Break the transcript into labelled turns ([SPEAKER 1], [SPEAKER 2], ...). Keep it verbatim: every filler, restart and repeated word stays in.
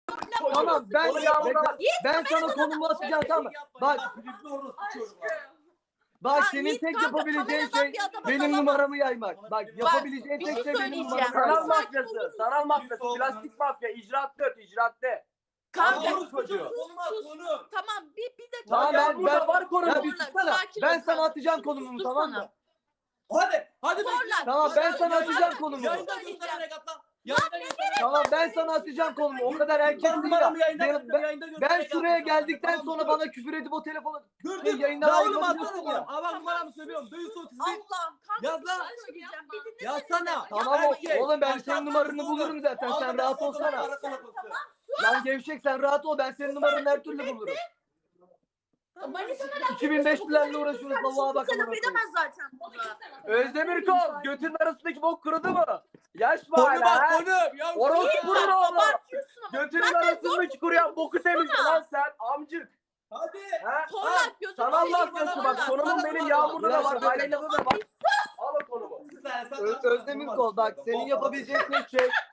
[SPEAKER 1] Tamam ben
[SPEAKER 2] Onu yağmurda bak.
[SPEAKER 1] ben sana konumu atacağım tamam. Bak bak
[SPEAKER 3] Ya
[SPEAKER 1] senin
[SPEAKER 3] Yiğit
[SPEAKER 1] tek
[SPEAKER 3] kanka,
[SPEAKER 1] yapabileceğin
[SPEAKER 3] kameradan
[SPEAKER 1] şey
[SPEAKER 3] bir adama
[SPEAKER 1] benim
[SPEAKER 3] dalamaz.
[SPEAKER 1] numaramı yaymak. Bak yapabileceğin
[SPEAKER 3] bir
[SPEAKER 1] tek
[SPEAKER 3] şey
[SPEAKER 1] şey benim
[SPEAKER 3] söyleyeceğim.
[SPEAKER 1] numaramı
[SPEAKER 2] Sanal
[SPEAKER 1] yaymak.
[SPEAKER 2] mafyası, sanal mafyası, plastik mafya, icraat dört, icraat de.
[SPEAKER 3] Kanka
[SPEAKER 2] Sus çocuğu.
[SPEAKER 3] sus sus. Tamam bir bir dakika.
[SPEAKER 1] Tamam
[SPEAKER 2] Ya
[SPEAKER 1] ben
[SPEAKER 2] burada
[SPEAKER 1] ben
[SPEAKER 2] var konumuz.
[SPEAKER 1] ya bir tutsana.
[SPEAKER 3] Sakin
[SPEAKER 1] Ben
[SPEAKER 3] ol
[SPEAKER 1] sana
[SPEAKER 3] kanka.
[SPEAKER 1] atacağım
[SPEAKER 3] Şunu
[SPEAKER 1] konumumu
[SPEAKER 3] sustursana.
[SPEAKER 1] tamam mı?
[SPEAKER 4] Hadi. Hadi
[SPEAKER 3] Zorla.
[SPEAKER 1] Tamam ben sana
[SPEAKER 3] Kanka,
[SPEAKER 1] atacağım
[SPEAKER 3] bir
[SPEAKER 1] konumu.
[SPEAKER 3] şey
[SPEAKER 4] Yayında
[SPEAKER 3] söyleyeceğim.
[SPEAKER 4] göster Regat'tan. Yayında göster.
[SPEAKER 1] Tamam ben sana atacağım konumu. O kadar erkek
[SPEAKER 4] Ben
[SPEAKER 1] değil ya.
[SPEAKER 4] numaramı yayında
[SPEAKER 1] Ben,
[SPEAKER 4] göster.
[SPEAKER 1] ben,
[SPEAKER 4] Yayında göster.
[SPEAKER 1] ben
[SPEAKER 4] Regat
[SPEAKER 1] şuraya
[SPEAKER 4] atacağım.
[SPEAKER 1] geldikten
[SPEAKER 4] Tamam,
[SPEAKER 1] sonra
[SPEAKER 4] dur.
[SPEAKER 1] bana küfür edip o telefonu
[SPEAKER 4] Dur
[SPEAKER 1] Hey,
[SPEAKER 4] dur.
[SPEAKER 1] yayından
[SPEAKER 4] Ya oğlum
[SPEAKER 1] ayrılabiliyorsun
[SPEAKER 4] atsana
[SPEAKER 1] ya.
[SPEAKER 4] numaramı. Aa bak
[SPEAKER 3] Tamam,
[SPEAKER 4] numaramı
[SPEAKER 3] sus,
[SPEAKER 4] söylüyorum. Duysun otuz bir.
[SPEAKER 3] Allah'ım kanka
[SPEAKER 4] Yaz
[SPEAKER 3] bir şey
[SPEAKER 4] lan.
[SPEAKER 3] söyleyeceğim. Bir dinlesenize.
[SPEAKER 4] Yazsana.
[SPEAKER 1] Tamam
[SPEAKER 4] Erkek.
[SPEAKER 1] o, oğlum ben
[SPEAKER 4] Baştan
[SPEAKER 1] senin numaranı
[SPEAKER 4] sonra
[SPEAKER 1] bulurum zaten.
[SPEAKER 4] Al
[SPEAKER 1] Sen
[SPEAKER 4] da
[SPEAKER 1] rahat
[SPEAKER 4] ben
[SPEAKER 1] olsana.
[SPEAKER 4] sonra kalabalıksın.
[SPEAKER 1] Lan gevşek sen rahat ol. Ben senin numaranı her türlü bulurum. iki bin beşlilerle uğraşıyoruz. Vallahi bak amına koyayım.
[SPEAKER 3] edemez zaten bunu.
[SPEAKER 2] Özdemir Kol, götünün arasındaki bok kurudu mu? Yaş mı
[SPEAKER 4] Konu
[SPEAKER 2] hala
[SPEAKER 4] bak
[SPEAKER 2] ha?
[SPEAKER 4] konu. Ya
[SPEAKER 2] Orospu'nun oğlu.
[SPEAKER 3] Abartıyorsun ama.
[SPEAKER 2] Götünün arasındaki kuruyan boku temizle lan sen amcık.
[SPEAKER 4] Hadi.
[SPEAKER 2] Ha?
[SPEAKER 3] Torlak gözünü
[SPEAKER 2] Sanal
[SPEAKER 3] seveyim,
[SPEAKER 2] mafyası
[SPEAKER 3] torlak.
[SPEAKER 2] bak konumun benim yağmurda da var.
[SPEAKER 1] Biraz
[SPEAKER 2] Aileyle de var. Al o konumu.
[SPEAKER 1] Ö- Özdemir Kol bak senin yapabileceğin tek şey